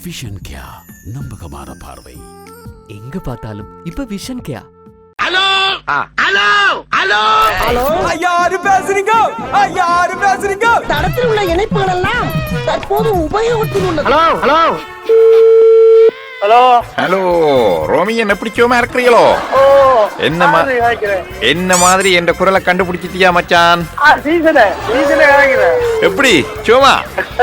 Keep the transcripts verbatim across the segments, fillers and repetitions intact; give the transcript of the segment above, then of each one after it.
Vision கேயா, நம்பகமான பார்வை. எங்க பார்த்தாலும் இப்ப விஷன் கேயா. ஹலோ ஹலோ ஹலோ ஹலோ, யாரு பேசுறீங்க? யாரு பேசுறீங்க? தடத்தில் உள்ள இணைப்புகள் எல்லாம் தற்போது உபயோகத்தில் உள்ளது. Hello hello hello hello Romian, எப்படி சோமா இருக்கிறீங்களோ? ஓ என்ன மா- என்ன மாதிரி என்ற குரலை கண்டுபிடிச்சிட்டியா மச்சான்? சீசனே சீசனே கேட்கிறேன். எப்படி சோமா?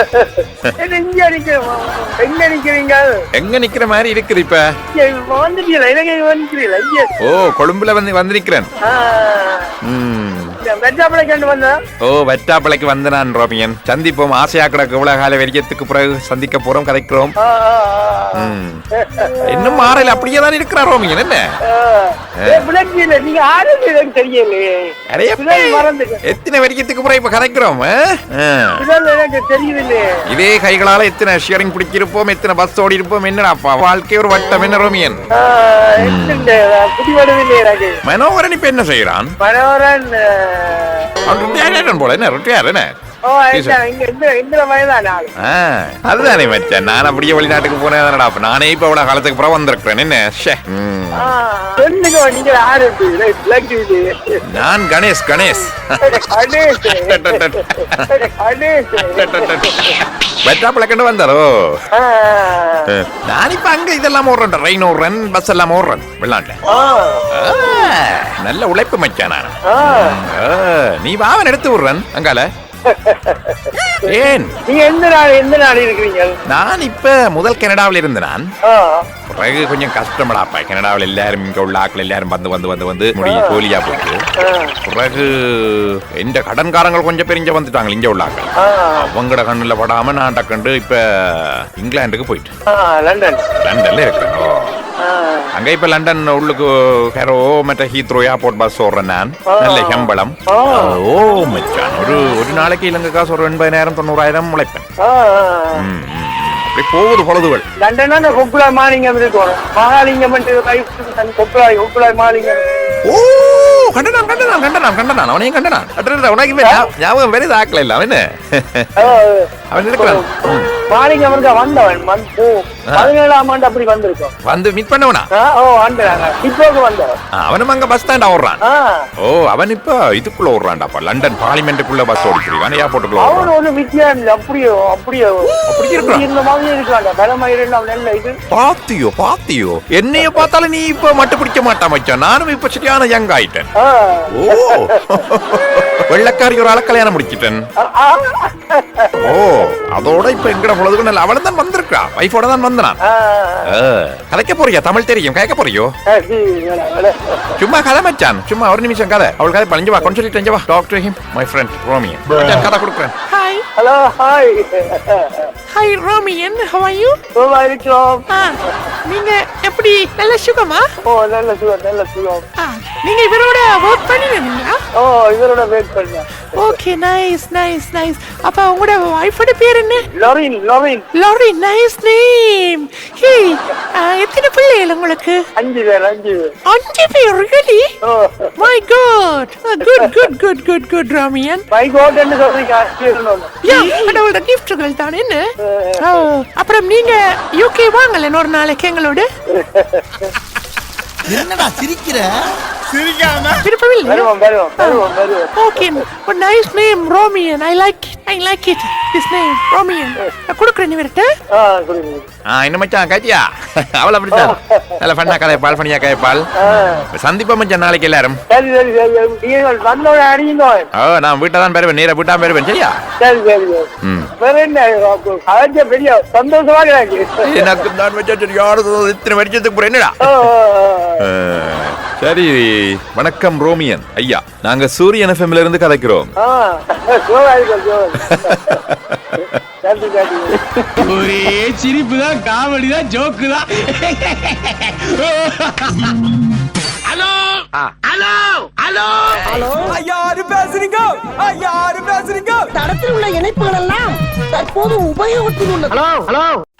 இங்க நிக்கிறேன். எங்க நிக்கிறீங்க? எங்க நிக்கிற மாதிரி இருக்குது இப்ப? வந்துட்டீங்களா? இலங்கை வந்துட்டீங்களா? இங்க ஓ, கொழும்புல வந்து வந்து நிக்கிறேன். ம். வெஜாப்பளை கண்டு வந்தேன். ஓ, வெட்டாப்பளைக்கு வந்து நான் ரோமியன். சந்திப்போம். ஆசையா கிடக்கு இவ்வளவு கால வெறியத்துக்கு பிறகு சந்திக்க போறோம், கதைக்கிறோம். ம். இன்னும் மாறல, அப்படியே தான் இருக்கிறா ரோமியன். என்ன நீங்க ஆரம்பி எனக்கு தெரியலையே. அடைய இதழ் மறந்துட்டேன். எத்தனை வெறியத்துக்கு பிறகு இப்ப கதைக்கிறோம். ஆ? ஆ. இதழ் எனக்கு தெரியலையே. இதே கைகளால எத்தனை ஷியரிங் பிடிச்சிருப்போம், எத்தனை பஸ் ஓடி இருப்போம். என்னடாப்பா வாழ்க்கை ஒரு வட்டம். என்ன ரோமியன்? புதிவடவில்லை எனக்கு. மனோகரன் இப்ப என்ன செய்யறான்? மனோகரன் அவன் ருட்டியாரன் போல. என்ன ருட்டியார்? என்ன ஓ, இங்க இந்த இந்த வயதான ஆளு. ஆ, அதுதானே மச்சான். நான் அப்படியே வெளிநாட்டுக்கு போனேன். அப்ப நானே இப்ப இவ்வளவு காலத்துக்கு அப்புறம் வந்திருக்கிறேன். என்ன ஷே. ம். ஆ, சொல்லுங்க, நீங்க ஆரம்பி பிளாக் டிவி. நான் கணேஷ் கணேஷ் கணேஷ் கணேஷ் வெட்டா பிளக்கண்டு வந்தாரோ. ஆ, நான் இப்ப அங்க இதெல்லாம் ஓடுறேன். ட்ரெயின் ஓடுறேன், பஸ் எல்லாம் ஓடுறேன் வெளிநாட்டுல. ஆ, ஆ, நல்ல உழைப்பு மச்சான் நான். ஆ. ஆ, நீ வாவன் எடுத்து விடுறேன் அங்கால. ஏன்? நீங்க எந்த நாடு எந்த நாடு இருக்கிறீங்க? நான் இப்ப முதல் கனடாவில் இருந்து நான். ஆ, பிறகு கொஞ்சம் கஷ்டப்படாப்பா. கனடாவில் எல்லாரும் இங்க உள்ள ஆட்கள் எல்லாரும் வந்து வந்து வந்து வந்து முடிய கோலியா போட்டு. பிறகு இந்த கடன்காரங்கள் கொஞ்சம் பெரிய வந்துட்டாங்க இங்க உள்ள ஆட்கள். ஆ, அவங்கட கண்ணுல படாம நான் டக்கண்டு இப்ப இங்கிலாந்துக்கு போயிட்டு ஆ, லண்டன். லண்டன்ல இருக்கேன். ஓ. ஆ, அங்க இப்ப லண்டன் உள்ளுக்கு ஹெரோ மற்ற ஹீத்ரோ ஏர்போர்ட் பஸ் ஓடுறேன் நான். நல்ல சம்பளம். ஆ. ஓ மச்சான், ஒரு ஒரு நாளைக்கு இலங்கை காசு ஒரு எண்பதாயிரம் தொண்ணூறாயிரம் உழைப்பேன். ஆ, ம், ம், ம். அப்படி போகுது பொழுதுகள். லண்டன்னா கொக்குலாய் மாலிங்கம் இருக்கும். மகாலிங்கம் கொக்குலாய் கொக்குலாய் மாலிங்கம். ஓ, கண்டனான் கண்டனான் கண்டனான் கண்டனான் அவனையும் கண்டனான். அட்ரா, உனக்கு இப்ப ஞா- ஞாபகம் வேற ஆக்கல இல்ல அவன். ஆ, அவன் இருக்கிறான். ம். மாலிங்கம் இருக்க வந்தவன் வந்து- ஓ, பதினேழாம் ஆண்டு அப்படி வந்திருக்கோம். வந்து மீட் பண்ணவனா? ஆ, ஓ, வந்தாங்க. இப்போக்கு வந்தவன். ஆ, அவனும் அங்க பஸ் ஸ்டாண்ட் ஓடுறான். ஆ, ஓ, அவன் இப்ப இதுக்குள்ள ஓடுறான்டாப்பா. London பார்லிமெண்ட்டுக்குள்ள bus ஓடிக்கிறான். ஏர்போர்ட்டுக்குள்ள அவன் ஓடுறான். ஒரு வித்தியாசம் இல்லை. அப்படியோ அப்படியோ அப்படி இருக்கிறான். இந்த மாதிரி இருக்காங்க. பலமயிறு நல்ல இது. பாத்தியோ பாத்தியோ, என்னைய பார்த்தாலும் நீ இப்ப மட்டு பிடிக்க மாட்டா மச்சான். நானும் இப்ப சரியான யங் ஆயிட்டேன். ஆ, ஓ, வெள்ளக்காரி ஒரு ஆள கல்யாணம் முடிச்சிட்டேன். ஆ, ஆ. ஓ, அதோட இப்ப எங்கட பொழுதுக்கு நல்ல அவள தான் வந்திருக்கா. வைஃபோட தான் வந்தான். ஆ, கதைக்க போறியா? தமிழ் தெரியும், கேட்க போறியோ? ஆ, சரி, வேலை, வேலை. சும்மா கதை மச்சான், சும்மா ஒரு நிமிஷம் கதை. அவள் கதை பழஞ்சு வா, கொஞ்சம் சொல்லிட்டு வா. Talk to him, my friend Romian. மச்சான் கதை கொடுக்குறேன். Hi hello, hi. Hi Romian, how are you? சுகமா இருக்கிறோம். ஆ, நீங்க எப்படி நல்ல சுகமா? ஓ, நல்ல சுகம், நல்ல சுகம். ஆ, நீங்க இவரோட ஒர்க் பண்ணிருந்தீங்களா? ஓ, இவரோட வெயிட் பண்ண. Okay, nice nice nice. அப்ப உங்களோட வைஃபோட பேர் என்ன? Lorin, Lorin. Lori, nice name. Hey, எத்தனை பிள்ளைகள் உங்களுக்கு? அஞ்சு பேர், அஞ்சு பேர். அஞ்சு பேர், really? ஓ, My God. Good, good, good, good, good, Ramian. My கோட்னு சொல்றீங்க. அஞ்சு பேர் ஒண்ணு. யா, கடவுளோட கிஃப்ட்கள் தான் என்ன? ஓ, அப்புறம் நீங்க யூகே வாங்கல ஒரு நாளைக்கு எங்களோட? என்னடா சிரிக்கிற? விருப்பமில்லை? வருவோம், வருவோம், வருவோம், வருவோம். Okay, a nice name, Romian. I like it. I like it. This name, Romian. நான் கொடுக்குறேன் இவர்கிட்ட. ஆ, கொடுங்க. ஆ, என்ன மச்சான் காட்டியா? அவள் அப்படித்தான் நல்ல ஃபன்னா கதைப்பாள், ஃபனியா கதைப்பாள். சந்திப்பா மச்சான் நாளைக்கு எல்லாரும். சரி, சரி, சரி. நீங்கள் வந்தோட அடியுங்க. ஓ, நான் வீட்டை தான் பெறுவேன், நேர வீட்டா பெறுவேன். சரியா? சரி, சரி, சரி. ம். வேற என்ன? அழைச்ச பெரிய சந்தோஷமா இருக்கிறாங்க. எனக்கு தான் மச்சான் சரியான இத்தனை வருஷத்துக்கு அப்புறம் என்னடா? ஓ, ஆ, சரி. வணக்கம் ரோமியன் ஐயா, நாங்க சூரியன் எஃப்எம்ல இருந்து கதைக்கிறோம். ஆ, சுகமா இருக்கிறோம், சுகமா. நன்றி, நன்றி. ஒரே சிரிப்பு தான், காமெடி தான், ஜோக்கு தான். ஹலோ ஹலோ ஹலோ ஹலோ, யாரு பேசுறீங்க? யாரு பேசுறீங்க? தடத்தில் உள்ள இணைப்புகள் எல்லாம் தற்போது உபயோகத்தில் உள்ளது. Hello hello